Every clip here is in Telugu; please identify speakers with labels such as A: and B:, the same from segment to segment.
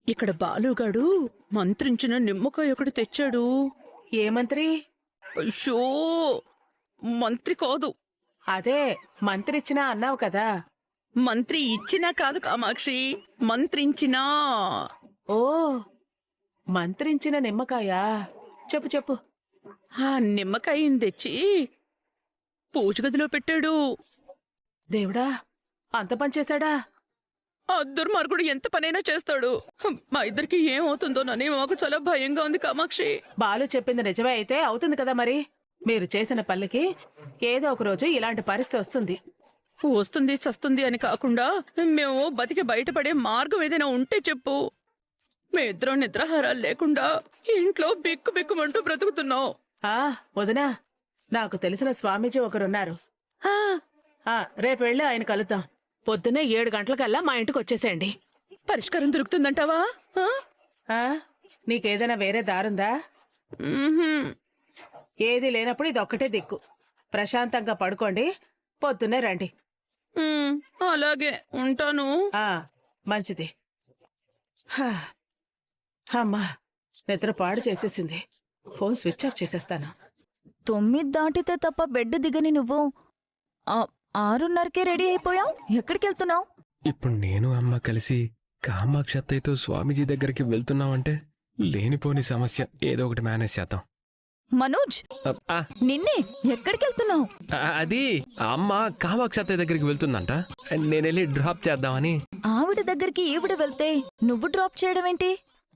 A: ఇక్కడ బాలుగాడు మంత్రించిన నిమ్మకాయ ఒకటి తెచ్చాడు.
B: ఏ మంత్రి?
A: అయ్యో, మంత్రి కాదు.
B: అదే మంత్రిచ్చినా అన్నావు కదా.
A: మంత్రి ఇచ్చినా కాదు కామాక్షి, మంత్రించినా.
B: ఓ, మంత్రించిన నిమ్మకాయ. చెప్పు చెప్పు.
A: ఆ నిమ్మకాయని తెచ్చి పూజ గదిలో పెట్టాడు.
B: దేవుడా, అంత పనిచేశాడా?
A: ఆ దుర్మార్గుడు ఎంత పనైనా చేస్తాడు. మా ఇద్దరికి ఏమవుతుందోనని మాకు చాలా భయంగా ఉంది కామాక్షి.
B: బాలు చెప్పింది నిజమే అయితే అవుతుంది కదా మరి. మీరు చేసిన పల్లెకి ఏదో ఒక రోజు ఇలాంటి పరిస్థితి వస్తుంది.
A: వస్తుంది చస్తుంది అని కాకుండా మేము బతికి బయటపడే మార్గం ఏదైనా ఉంటే చెప్పు. మేమిద్దరం నిద్రాహారాలు లేకుండా ఇంట్లో బిక్కు బిక్కుమంటూ బ్రతుకుతున్నాం.
B: వదినా, నాకు తెలిసిన స్వామీజీ ఒకరున్నారు. రేపు వెళ్ళి ఆయన కలుద్దాం. పొద్దున్నే 7 గంటలకల్లా మా ఇంటికి వచ్చేసేయండి.
A: పరిష్కారం దొరుకుతుందంటావా?
B: నీకేదైనా వేరే దారుందా? ఏది లేనప్పుడు ఇది ఒక్కటే దిక్కు. ప్రశాంతంగా పడుకోండి, పొద్దున్నే రండి.
A: అలాగే ఉంటాను.
B: మంచిది. అమ్మా, నిద్ర పాడు చేసేసింది. ఫోన్ స్విచ్ ఆఫ్ చేసేస్తాను.
C: 9 దాటితే తప్ప బెడ్ దిగని నువ్వు 6:30కే రెడీ అయిపోయావు. ఎక్కడికి వెళ్తున్నావు?
D: ఇప్పుడు నేను అమ్మ కలిసి కామాక్షి అత్తయ్యతో స్వామీజీ దగ్గరికి వెళ్తున్నావంటే లేనిపోని సమస్య. ఏదో ఒకటి మేనేజ్ చేద్దాం.
C: మనోజ్, నిన్నే. ఎక్కడికి వెళ్తున్నావు?
D: అది అమ్మ కామాక్షి అత్తయ్య దగ్గరికి వెళ్తుందంట. నేనెళ్ళి డ్రాప్ చేద్దామని.
C: ఆవిడ దగ్గరికి ఈవిడ వెళ్తే నువ్వు డ్రాప్ చేయడం ఏంటి?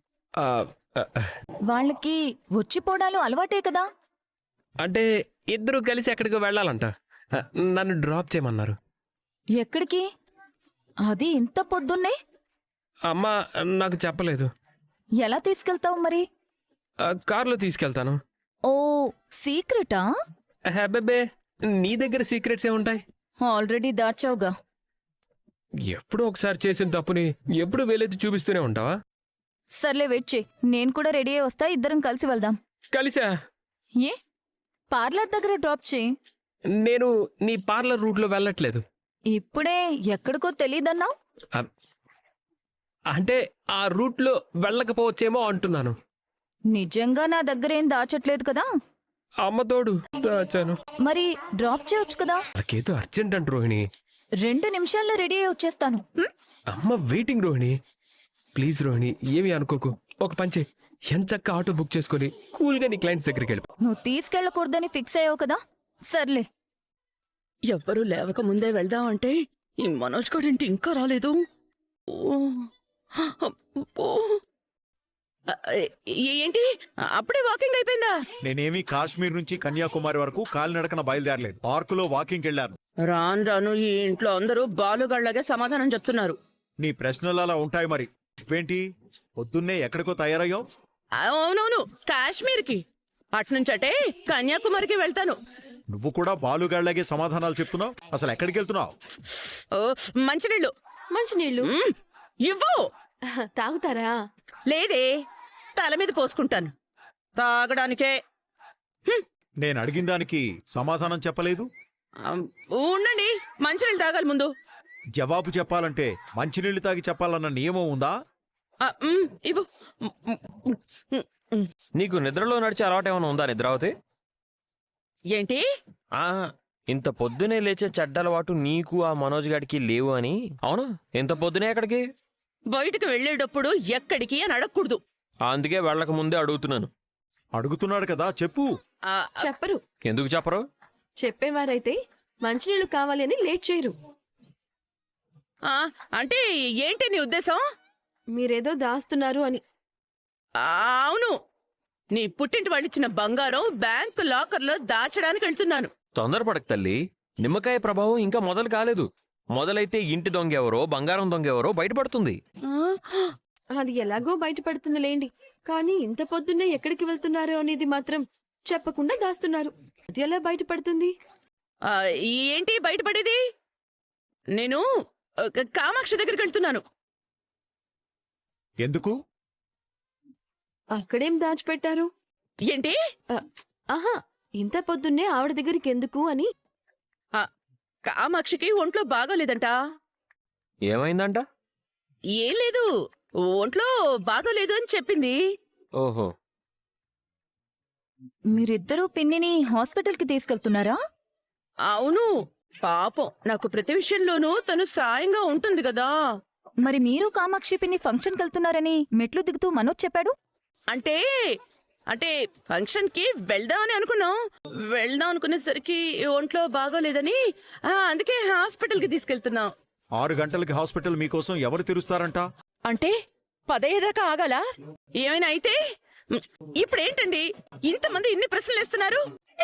C: వాళ్ళకి వచ్చిపోవడాలు అలవాటే కదా.
D: అంటే ఇద్దరు కలిసి ఎక్కడికి వెళ్ళాలంట. నన్ను డ్రాప్ చేయమన్నారు.
C: ఎక్కడికి? అది ఇంత పొద్దున్నే?
D: అమ్మ నాకు చెప్పలేదు.
C: ఎలా తీసుకెళ్తావు మరి?
D: కారులో తీసుకెళ్తాను.
C: ఓ, సీక్రెటా?
D: హెబ్బెబ్బే, నీ దగ్గర సీక్రెట్స్ ఏముంటాయి?
C: ఆల్రెడీ దాచావుగా.
D: ఎప్పుడో ఒకసారి చేసిన తప్పుని ఎప్పుడు వేలెత్తి చూపిస్తూనే ఉంటావా?
C: సర్లే, వెయిట్ చేయి. నేను కూడా రెడీ అయి వస్తా. ఇద్దరం కలిసి వెళ్దాం.
D: కలిసా?
C: ఏ, పార్లర్ దగ్గర డ్రాప్ చేయి.
D: నేను నీ పార్లర్ రూట్లో వెళ్ళట్లేదు.
C: ఇప్పుడే ఎక్కడికో తెలీదన్నావు.
D: అంటే ఆ రూట్లో వెళ్ళకపోవచ్చేమో అంటున్నాను.
C: నిజంగా నా దగ్గరేం దాచట్లేదు కదా.
D: అమ్మతోడు దాచాను.
C: మరి డ్రాప్ చేయొచ్చు కదా.
D: నాకేదో అర్జెంట్ అంట రోహిణి.
C: 2 నిమిషాల్లో రెడీ అయి వచ్చేస్తాను.
D: అమ్మ వెయిటింగ్ రోహిణి. ప్లీజ్ రోహిణి, ఏమీ అనుకోకు. ఒక పంచే, ఎంచక్క ఆటో బుక్ చేసుకుని కూల్గా నీ క్లయింట్స్ దగ్గరికి వెళ్ళి.
C: నువ్వు తీసుకెళ్ళకూడదని ఫిక్స్ అయ్యావు కదా. సర్లే.
A: ఎవ్వరూ లేవక ముందే వెళ్దామంటే ఈ మనోజ్ గారింటి ఇంకా రాలేదు. ఏంటి అప్పుడే వాకింగ్ అయిపోయిందా?
E: నేనేమి కాశ్మీర్ నుంచి కన్యాకుమారి వరకు కాలినడకన బయలుదేరలేదు. పార్కులో వాకింగ్ వెళ్లాను.
A: రాను రాను ఈ ఇంట్లో అందరూ బాలుగాళ్లాగే సమాధానం చెప్తున్నారు.
E: నీ ప్రశ్నలు అలా ఉంటాయి మరి. ఏంటి పొద్దున్నే ఎక్కడికో తయారయ్యావు?
A: అవునవును, కాశ్మీర్కి. అట్నుంచటే కన్యాకుమారికి వెళ్తాను.
E: నువ్వు కూడా బాలుగాళ్లాగే సమాధానాలు చెప్తున్నావు. అసలు ఎక్కడికి వెళ్తున్నావు?
A: మంచినీళ్ళు.
F: మంచినీళ్ళు
A: ఇవ్వు.
F: తాగుతారా?
A: లేదే, తల మీద పోసుకుంటాను. తాగడానికే.
E: నేను అడిగిన దానికి సమాధానం చెప్పలేదు.
A: ఉండండి, మంచినీళ్ళు తాగాలి ముందు.
E: జవాబు చెప్పాలంటే మంచినీళ్లు తాగి చెప్పాలన్న నియమం ఉందా?
A: ఇవ్వు.
G: నీకు నిద్రలో నడిచే అలవాటేమైనా ఉందా నిద్రావతి?
A: ఏంటి?
G: ఇంత పొద్దునే లేచే చెడ్డలవాటు నీకు ఆ మనోజ్ గాడికి లేవు అని. అవును, ఇంత పొద్దునే ఎక్కడికి?
A: బయటకు వెళ్లేటప్పుడు ఎక్కడికి అని అడగకూడదు.
G: అందుకే వెళ్ళక ముందే అడుగుతున్నాను.
E: అడుగుతున్నాడు కదా, చెప్పు.
F: చెప్పరు.
G: ఎందుకు చెప్పరు?
F: చెప్పేవారైతే మంచినీళ్ళు కావాలి అని లేట్ చేయరు.
A: అంటే ఏంటి నీ ఉద్దేశం?
F: మీరేదో దాస్తున్నారు అని.
A: అవును, నీ పుట్టింటి వాళ్ళిచ్చిన బంగారం బ్యాంకు లాకర్లో దాచడానికి వెళ్తున్నాను.
G: తొందరపడక తల్లి, నిమ్మకాయ ప్రభావం ఇంకా మొదలు కాలేదు. మొదలైతే ఇంటి దొంగెవరో బంగారం దొంగెవరో బయటపడుతుంది.
F: అది ఎలాగో బయటపడుతుంది లేండి. కానీ ఇంత పొద్దున్నే ఎక్కడికి వెళ్తున్నారు అనేది మాత్రం చెప్పకుండా దాస్తున్నారు. అది ఎలా బయటపడుతుంది?
A: ఏంటి బయటపడేది? నేను కామాక్షి దగ్గరికి వెళ్తున్నాను.
E: ఎందుకు?
F: అక్కడేం దాచిపెట్టారు?
A: ఏంటి?
F: ఆహా, ఇంత పొద్దున్నే ఆవిడ దగ్గరికి ఎందుకు అని.
A: కామాక్షికి ఒంట్లో బాగోలేదంట.
G: ఏమైందంట?
A: ఏం లేదు, ఒంట్లో బాగోలేదు అని చెప్పింది.
G: ఓహో.
C: మీరిద్దరూ పిన్నిని హాస్పిటల్కి తీసుకెళ్తున్నారా?
A: అవును, పాపం నాకు ప్రతి విషయంలోనూ తను సాయంగా ఉంటుంది కదా.
C: మరి మీరు కామాక్షి పిన్ని ఫంక్షన్కి వెళ్తున్నారని మెట్లు దిగుతూ మనోజ్ చెప్పాడు.
A: అంటే అంటే ఫంక్షన్ కి వెళ్దామని అనుకున్నాం. వెళ్దాం అనుకునేసరికి ఒంట్లో బాగోలేదని అందుకే హాస్పిటల్ కి తీసుకెళ్తున్నాం.
E: 6 గంటలకి హాస్పిటల్ మీకోసం ఎవరు తెరుస్తారంట?
A: అంటే 15 దాకా ఆగాల? ఏమైనా అయితే ఇప్పుడేంటండి ఇంతమంది ఇన్ని ప్రశ్నలు వేస్తున్నారు?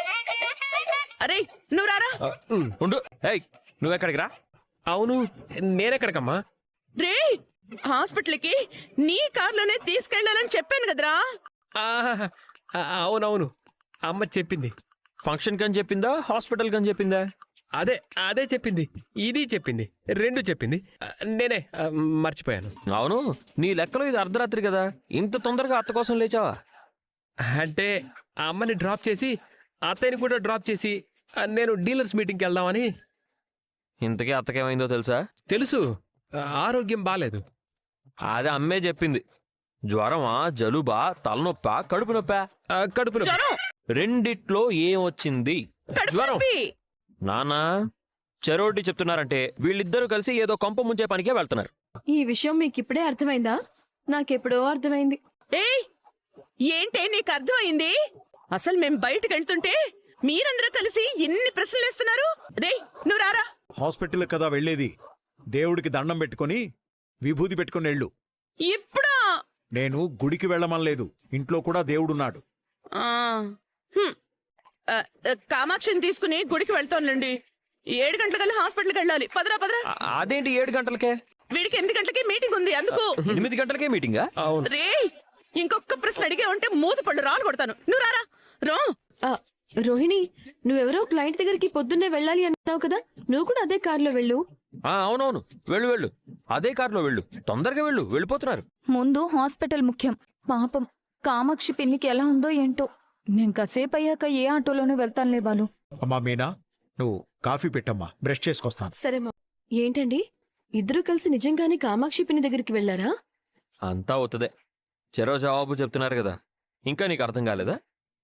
A: అరే నువ్వు రారా.
G: ఉండు. ఏయ్, నువ్వెక్కడికి రా.
D: అవును, నేనెక్కడికమ్మా?
A: రే, హాస్పిటల్కి నీ కార్లోనే తీసుకెళ్లాలని చెప్పాను కదరా.
D: ఆహాహా, అవునవును, అమ్మ చెప్పింది.
G: ఫంక్షన్ కని చెప్పిందా, హాస్పిటల్ కని చెప్పిందా?
D: అదే చెప్పింది, ఇది చెప్పింది, రెండు చెప్పింది. నేనే మర్చిపోయాను.
G: అవును, నీ లెక్కలో ఇది అర్ధరాత్రి కదా, ఇంత తొందరగా అత్త కోసం లేచావా?
D: అంటే అమ్మని డ్రాప్ చేసి అత్తయ్యని కూడా డ్రాప్ చేసి నేను డీలర్స్ మీటింగ్కి వెళ్దామని.
G: ఇంతకీ అత్తకేమైందో తెలుసా?
D: తెలుసు, ఆరోగ్యం బాలేదు.
G: అదే అమ్మే చెప్పింది. జ్వరమా, జలుబా, తలనొప్పా, కడుపు నొప్పా?
D: కడుపులో
A: జ్వరం,
G: రెండిట్లో ఏం వచ్చింది?
A: కడుపు
D: జ్వరం.
A: నొప్పి.
G: నానా చెరోటి చెప్తున్నారంటే వీళ్ళిద్దరూ కలిసి ఏదో కొంప ముంచే పనికే వెళ్తున్నారు.
F: ఈ విషయం మీకు ఇప్పుడే అర్థమైందా? నాకెప్పుడో అర్థమైంది.
A: ఏయ్, ఏంటే నీకు అర్థమైంది? అసలు మేం బయటకు వెళ్తుంటే మీరందరూ కలిసి ఎన్ని ప్రశ్నలు వేస్తున్నారు? రే నువ్వు రారా.
E: హాస్పిటల్ కదా వెళ్ళేది. దేవుడికి దండం పెట్టుకొని విభూది పెట్టుకొని వెళ్ళు.
A: ఇప్పుడా?
E: నేను గుడికి వెళ్ళమనలేదు, ఇంట్లో కూడా దేవుడున్నాడు.
A: ఆ, హ్మ్. కామాక్షిని తీసుకుని గుడికి వెళ్తానులేండి. 7 గంటలకల్లా హాస్పిటల్కి వెళ్ళాలి. పదరా పదరా.
G: అదేంటి 7 గంటలకే?
A: వీడికి 8 గంటలకి మీటింగ్ ఉంది అందుకు.
G: 8 గంటలకే మీటింగా?
D: అవును.
A: రే, ఇంకొక ప్రశ్న అడిగే ఉంటే మూత పళ్ళు రాలు కొడతాను. నువ్వు రారా. రా.
F: ఆ, రోహిణి, నువ్వెవరో క్లయింట్ దగ్గరికి పొద్దున్నే వెళ్ళాలి అన్నావు కదా, నువ్వు కూడా అదే కారులో వెళ్ళు.
G: అవునవును, వెళ్ళు వెళ్ళు, అదే కారులో వెళ్ళు, తొందరగా వెళ్ళు, వెళ్ళిపోతున్నారు.
C: ముందు హాస్పిటల్ ముఖ్యం. పాపం కామాక్షి పిన్నికి ఎలా ఉందో ఏంటో. నేను కాసేపు అయ్యాక ఏ ఆటోలోనూ వెళ్తానులే బాలు.
E: అమ్మా మీనా, నువ్వు కాఫీ పెట్టమ్మా, బ్రష్ చేసుకొస్తాను.
F: సరే మా. ఏంటండి, ఇద్దరూ కలిసి నిజంగానే కామాక్షి పిన్ని దగ్గరికి వెళ్ళారా?
G: అంతా అవుతుందే, చెరో జవాబు చెప్తున్నారు కదా, ఇంకా నీకు అర్థం కాలేదా?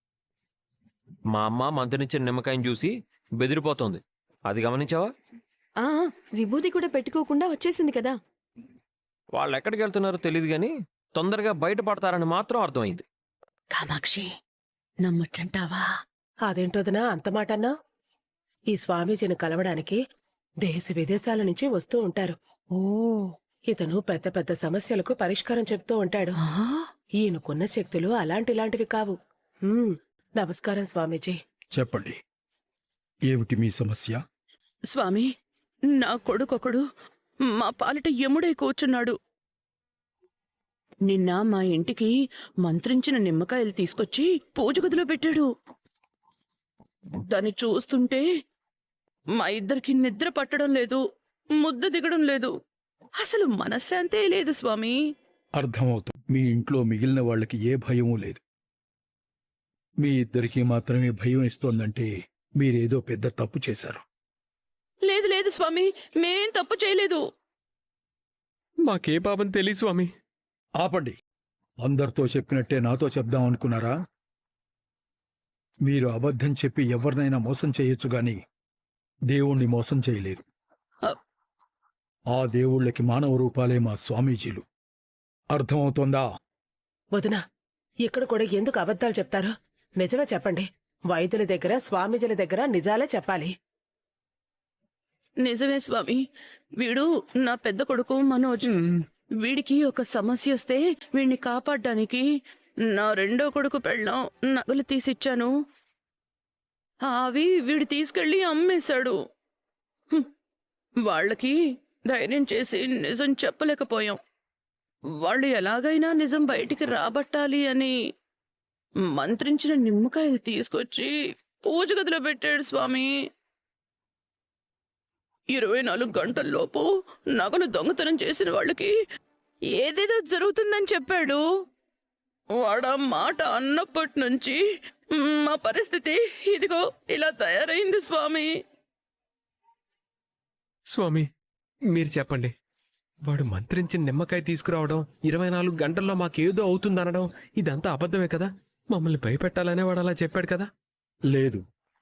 G: మా అమ్మ మంత్రినిచ్చిన నిమ్మకాయని చూసి బెదిరిపోతోంది, అది గమనించావా?
F: ఆ, విభూది కూడా పెట్టుకోకుండా వచ్చేసింది కదా.
G: వాళ్ళు ఎక్కడికి వెళ్తున్నారో తెలియదు కానీ తొందరగా బయటపడతారని మాత్రం అర్థమైంది.
A: కామాక్షి నమ్మొచ్చంటావా?
B: అదేంటోదనా అంత మాటన్నా? ఈ స్వామీజీని కలవడానికి దేశ విదేశాల నుంచి వస్తూ ఉంటారు.
A: ఓ,
B: ఇతను పెద్ద పెద్ద సమస్యలకు పరిష్కారం చెప్తూ ఉంటాడు. ఈయనకున్న శక్తులు అలాంటిలాంటివి కావు. నమస్కారం స్వామీజీ.
H: చెప్పండి, ఏమిటి మీ సమస్య?
A: స్వామి, నా కొడుకొకడు మా పాలిట యముడై కూర్చున్నాడు. నిన్న మా ఇంటికి మంత్రించిన నిమ్మకాయలు తీసుకొచ్చి పూజ గదిలో పెట్టాడు. దాన్ని చూస్తుంటే మా ఇద్దరికి నిద్ర పట్టడం లేదు, ముద్ద దిగడం లేదు, అసలు మనశ్శాంతే లేదు స్వామి.
H: అర్థమవుతుంది. మీ ఇంట్లో మిగిలిన వాళ్ళకి ఏ భయమూ లేదు. మీ ఇద్దరికీ మాత్రమే భయం ఇస్తోందంటే మీరేదో పెద్ద తప్పు చేశారు.
A: లేదు లేదు స్వామి, మేం తప్పు చేయలేదు.
D: మాకే పాపం తెలియ స్వామి.
H: ఆపండి. అందరితో చెప్పినట్టే నాతో చెప్దాం అనుకున్నారా? మీరు అబద్ధం చెప్పి ఎవరినైనా మోసం చేయొచ్చు గాని దేవుణ్ణి మోసం చేయలేరు. ఆ దేవుళ్ళకి మానవ రూపాలే మా స్వామీజీలు. అర్థమవుతోందా?
B: వదినా, ఇక్కడ కూడా ఎందుకు అబద్ధాలు చెప్తారు? నిజమే చెప్పండి. వైద్యుల దగ్గర, స్వామీజీల దగ్గర నిజాలే చెప్పాలి.
A: నిజమే స్వామి, వీడు నా పెద్ద కొడుకు మనోజ్. వీడికి ఒక సమస్య వస్తే వీడిని కాపాడ్డానికి నా రెండో కొడుకు పెళ్ళాం నగలు తీసిచ్చాను. అవి వీడు తీసుకెళ్లి అమ్మేశాడు. వాళ్ళకి ధైర్యం చేసి నిజం చెప్పలేకపోయాం. వాళ్ళు ఎలాగైనా నిజం బయటికి రాబట్టాలి అని మంత్రించిన నిమ్మకాయలు తీసుకొచ్చి పూజ గదిలో పెట్టాడు స్వామి. 24 గంటల్లోపు నగలు దొంగతనం చేసిన వాళ్ళకి ఏదేదో జరుగుతుందని చెప్పాడు. వాడా మాట అన్నప్పటి నుంచి మా పరిస్థితి ఇదిగో ఇలా తయారైంది స్వామి.
D: స్వామి, మీరు చెప్పండి, వాడు మంత్రించి నిమ్మకాయ తీసుకురావడం 24 గంటల్లో మాకేదో అవుతుందనడం ఇదంతా అబద్ధమే కదా. మమ్మల్ని భయపెట్టాలనే వాడు అలా చెప్పాడు కదా.
H: లేదు,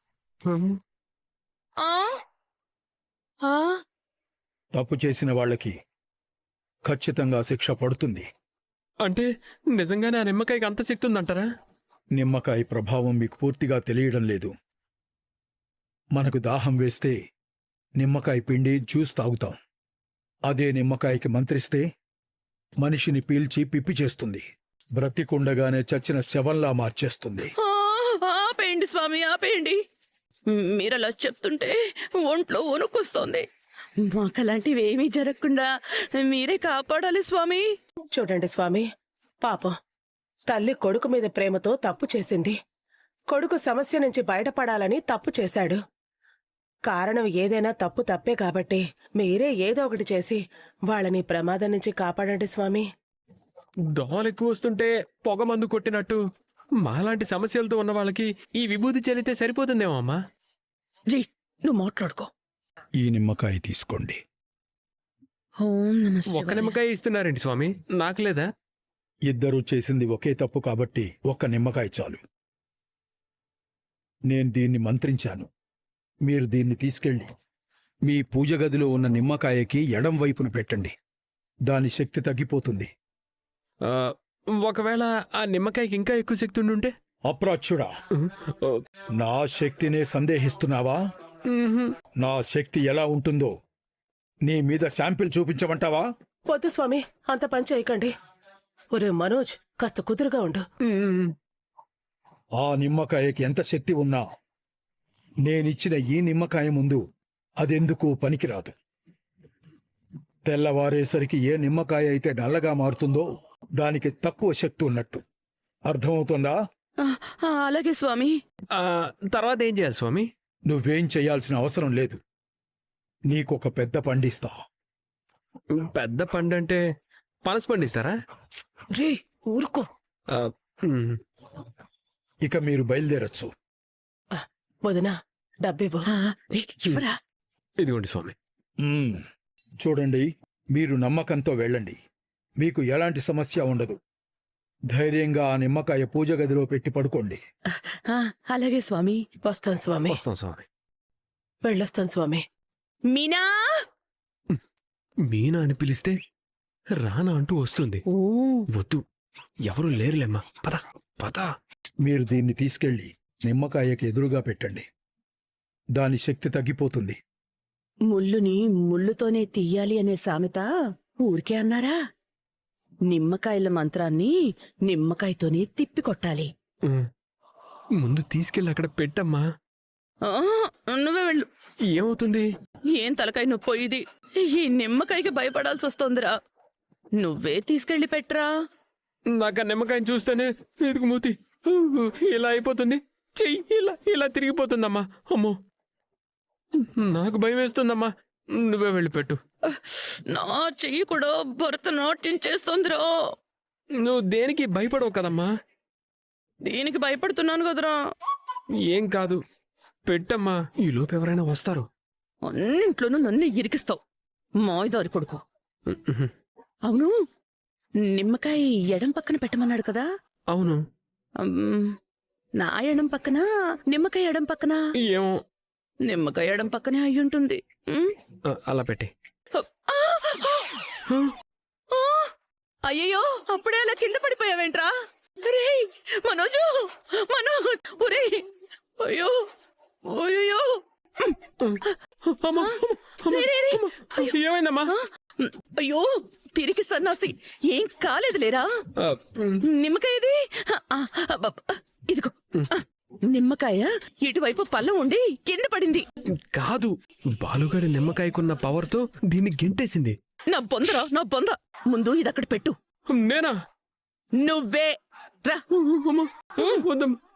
A: ఆ
B: ఆ,
H: తప్పు చేసిన వాళ్ళకి ఖచ్చితంగా శిక్ష పడుతుంది.
D: అంటే నిజంగానే ఆ నిమ్మకాయకి అంత శక్తి ఉందంటారా?
H: నిమ్మకాయ ప్రభావం మీకు పూర్తిగా తెలియడం లేదు. మనకు దాహం వేస్తే నిమ్మకాయ పిండి జ్యూస్ తాగుతాం. అదే నిమ్మకాయకి మంత్రిస్తే మనిషిని పీల్చి పిప్పి చేస్తుంది. బ్రతికుండగానే చచ్చిన శవంలా మార్చేస్తుంది.
A: ఆపేయండి స్వామి, ఆపేయండి. మీరలా చెప్తుంటే ఒంట్లో వణుకొస్తోంది. మాకలాంటివి ఏమీ జరగకుండా మీరే కాపాడాలి స్వామి.
B: చూడండి స్వామి, పాపం తల్లి కొడుకు మీద ప్రేమతో తప్పు చేసింది. కొడుకు సమస్య నుంచి బయటపడాలని తప్పు చేశాడు. కారణం ఏదైనా తప్పు తప్పే కాబట్టి మీరే ఏదో ఒకటి చేసి వాళ్ళని ప్రమాదం నుంచి కాపాడండి స్వామి.
D: దోమలు ఎక్కువ వస్తుంటే పొగ మందు కొట్టినట్టు మాలాంటి సమస్యలతో ఉన్న వాళ్ళకి ఈ విభూతి చెల్లితే సరిపోతుందేమో అమ్మా.
A: జీ, నువ్వు మాట్లాడుకో.
H: ఈ నిమ్మకాయ తీసుకోండి.
A: ఓం నమః
D: ఒక్క
A: శివాయ.
D: నిమ్మకాయ ఇస్తున్నారేంటి స్వామి? నాకు లేదా?
H: ఇద్దరూ చేసింది ఒకే తప్పు కాబట్టి ఒక్క నిమ్మకాయ చాలు. నేను దీన్ని మంత్రించాను. మీరు దీన్ని తీసుకెళ్ళి మీ పూజ గదిలో ఉన్న నిమ్మకాయకి ఎడం వైపున పెట్టండి. దాని శక్తి తగ్గిపోతుంది.
D: ఆ, ఒకవేళ ఆ నిమ్మకాయకి ఇంకా ఎక్కువ శక్తి ఉండుంటే?
H: అప్రాచ్యుడా, నా శక్తినే సందేహిస్తున్నావా? నా శక్తి ఎలా ఉంటుందో నీ మీద శాంపిల్ చూపించమంటావా?
B: వద్దు స్వామి, అంత పని చేయకండి. ఒరే మనోజ్, కాస్త కుదురుగా ఉండు.
H: ఆ నిమ్మకాయకి ఎంత శక్తి ఉన్నా నేనిచ్చిన ఈ నిమ్మకాయ ముందు అదెందుకు పనికిరాదు. తెల్లవారేసరికి ఏ నిమ్మకాయ అయితే నల్లగా మారుతుందో దానికి తక్కువ శక్తి ఉన్నట్టు. అర్థమవుతుందా?
A: అలాగే స్వామి.
D: ఆ, తర్వాత ఏం చేయాలి స్వామి?
H: నువ్వేం చేయాల్సిన అవసరం లేదు. నీకొక పెద్ద పండిస్తా.
D: పెద్ద పండు అంటే పనస పండిస్తారా?
B: రే ఊరుకో.
D: ఆ, ఉమ్.
H: ఇక మీరు బయలుదేరచ్చు.
B: వదినా, డబ్బివ్వు.
A: రే, ఇవ్వరా.
D: ఇదిగోండి స్వామి.
H: చూడండి, మీరు నమ్మకంతో వెళ్ళండి. మీకు ఎలాంటి సమస్య ఉండదు. ధైర్యంగా ఆ నిమ్మకాయ పూజ గదిలో పెట్టి పడుకోండి.
A: అలాగే స్వామి.
B: వస్తాను స్వామి.
D: వస్తాం స్వామి.
B: వెళ్ళొస్తాను స్వామి.
A: మీనా.
D: మీనా అని పిలిస్తే రానా అంటూ వస్తుంది.
A: ఓ,
D: వద్దు, ఎవరు లేరులేమ్మా. పద పద.
H: మీరు దీన్ని తీసుకెళ్ళి నిమ్మకాయకి ఎదురుగా పెట్టండి. దాని శక్తి తగ్గిపోతుంది.
A: ముళ్ళుని ముళ్ళుతోనే తీయాలి అనే సామెత ఊరికే అన్నారా? నిమ్మకాయల మంత్రాన్ని నిమ్మకాయతోనే తిప్పి కొట్టాలి.
D: ఉమ్. ముందు తీసుకెళ్ళి అక్కడ పెట్టమ్మా.
A: నువ్వే వెళ్ళు.
D: ఏమవుతుంది?
A: ఏం తలకాయ నొప్పో ఇది. ఈ నిమ్మకాయకి భయపడాల్సి వస్తోందిరా. నువ్వే తీసుకెళ్లి పెట్టరా.
D: నాకు ఆ నిమ్మకాయని చూస్తేనే ఎదుగు మూతి ఇలా అయిపోతుంది. చెయ్యి ఇలా ఇలా తిరిగిపోతుందమ్మా. అమ్మో, నాకు భయం వేస్తుందమ్మా. నువ్వే వెళ్ళి పెట్టు.
A: నా చెయ్యి కూడా భరతనాట్యం చేస్తోందిరా.
D: నువ్వు దేనికి భయపడవు కదమ్మా.
A: దీనికి భయపడుతున్నాను కదరా.
D: ఏం కాదు, పెట్టమ్మా. ఈ లోపు ఎవరైనా వస్తారు.
A: అన్నింట్లోనూ నన్ను ఇరికిస్తావు, మాయదారి కొడుకు. అవును, నిమ్మకాయ ఎడం పక్కన పెట్టమన్నాడు కదా.
D: అవును.
A: నా ఎడం పక్కన, నిమ్మకాయ ఎడం పక్కన.
D: ఏమో,
A: నిమ్మకాయ ఎడం పక్కనే అయ్యుంటుంది.
D: అలా పెట్టి.
A: అయ్యయ్యో, అప్పుడే అలా కింద పడిపోయావేంట్రా? రేయ్ మనోజు, మనోజ్, ఒరేయ్, అయ్యో అయ్యో.
D: ఏమైందమ్మా?
A: అయ్యో పిరికి సన్నాసి, ఏం కాలేదు లేరా. నిమ్మకాయ ఇది. ఇదిగో, నిమ్మకాయ ఇటువైపు పళ్ళం ఉండి కింద పడింది.
D: కాదు, బాలుగాడి నిమ్మకాయకున్న పవర్తో దీన్ని గెంటేసింది.
A: నా బొందరా, నా బొంద. ముందు ఇది అక్కడ పెట్టు.
D: నేనా?
A: నువ్వే రా.
D: వద్దమ్మా.